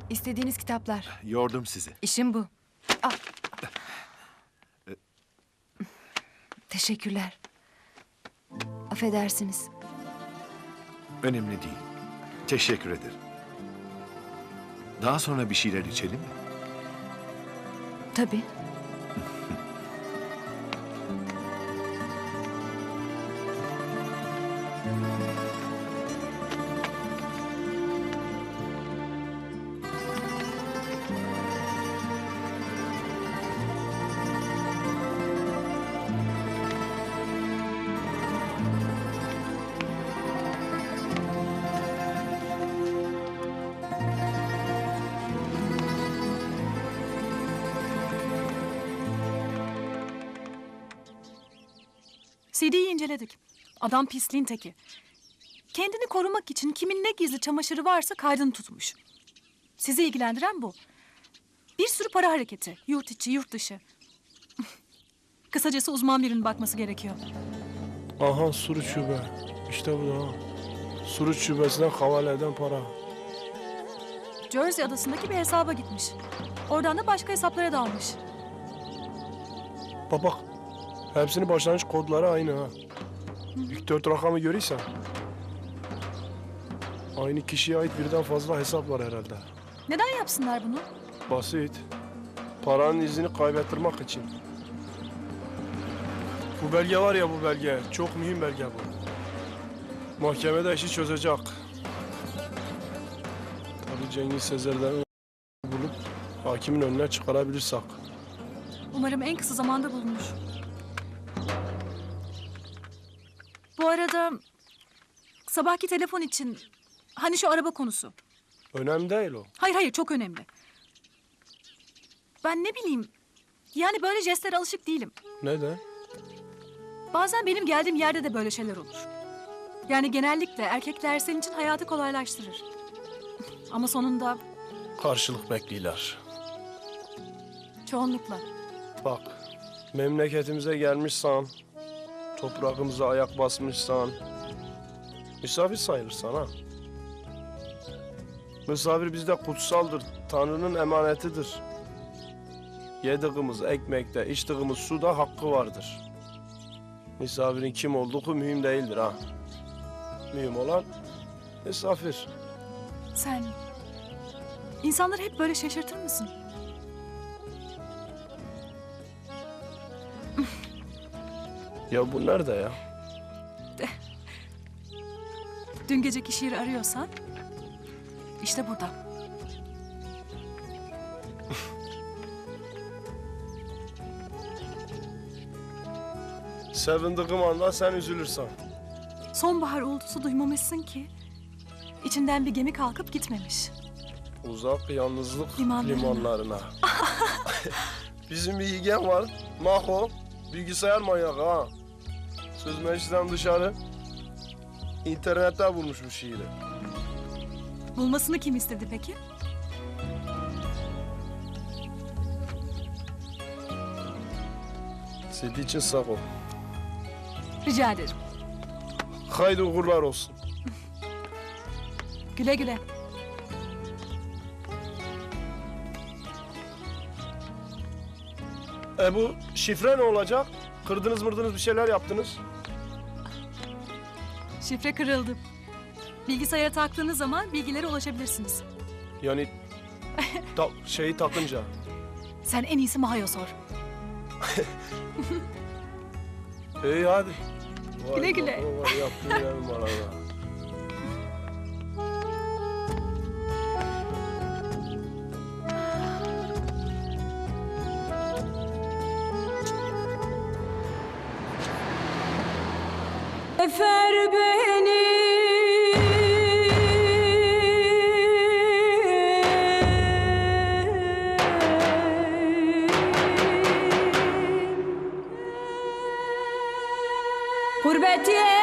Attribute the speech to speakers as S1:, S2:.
S1: İstediğiniz kitaplar.
S2: Yordum sizi.
S1: İşim bu. Al. Teşekkürler. Affedersiniz.
S2: Önemli değil. Teşekkür ederim. Daha sonra bir şeyler içelim mi?
S1: Tabii.
S3: CD'yi inceledik. Adam pisliğin teki. Kendini korumak için kimin ne gizli çamaşırı varsa kaydını tutmuş. Sizi ilgilendiren bu. Bir sürü para hareketi. Yurt içi, yurt dışı. Kısacası uzman birinin bakması gerekiyor.
S4: Aha Suruç Şube. İşte bu da. Suruç Şubesi'nden havale eden para.
S3: Jersey adasındaki bir hesaba gitmiş. Oradan da başka hesaplara dalmış.
S4: Bak. Hepsinin başlangıç kodları aynı ha. İlk 4 rakamı görürsen. Aynı kişiye ait birden fazla hesap var herhalde.
S3: Neden yapsınlar bunu?
S4: Basit. Paranın izini kaybettirmek için. Bu belge var ya, bu belge. Çok mühim belge bu. Mahkemede işi çözecek. Tabii Cengiz Sezer'den bulup hakimin önüne çıkarabilirsek.
S3: Umarım en kısa zamanda bulunur. Bu arada sabahki telefon için hani şu araba konusu.
S4: Önemli değil o.
S3: Hayır çok önemli. Ben ne bileyim yani böyle jestlere alışık değilim.
S4: Neden?
S3: Bazen benim geldiğim yerde de böyle şeyler olur. Yani genellikle erkekler senin için hayatı kolaylaştırır. Ama sonunda
S4: Karşılık bekliyorlar.
S3: çoğunlukla.
S4: Bak, memleketimize gelmişsen, toprağımıza ayak basmışsan, misafir sayılırsan ha. Misafir bizde kutsaldır, Tanrı'nın emanetidir. Yediğimiz ekmekte, içtiğimiz suda hakkı vardır. Misafirin kim olduğu mühim değildir ha. Mühim olan misafir.
S3: Sen insanları hep böyle şaşırtır mısın?
S4: Ya bu nerede ya?
S3: Dün geceki şiiri arıyorsan işte burada.
S4: Sevindiğim anda sen üzülürsen.
S3: Sonbahar uğultusu duymamışsın ki içinden bir gemi kalkıp gitmemiş.
S4: Uzak yalnızlık
S3: Limanlarına.
S4: limanlarına. Bizim bir yeğen var, Maho. Bilgisayar manyağı ha. Söz meclisten dışarı. İnternette bulmuş bu şiiri.
S3: Bulmasını kim istedi peki?
S4: Sedi için sağ ol.
S3: Rica ederim.
S4: Haydi uğurlar olsun.
S3: Güle güle.
S4: Bu şifre ne olacak? Kırdınız mırdınız bir şeyler yaptınız.
S3: Şifre kırıldı. Bilgisayara taktığınız zaman bilgilere ulaşabilirsiniz.
S4: Yani şeyi takınca.
S3: Sen en iyisi Maha'ya sor.
S4: İyi hadi.
S3: Güle güle.
S4: Vay yaptın benim arada.
S5: Efer beni gurbet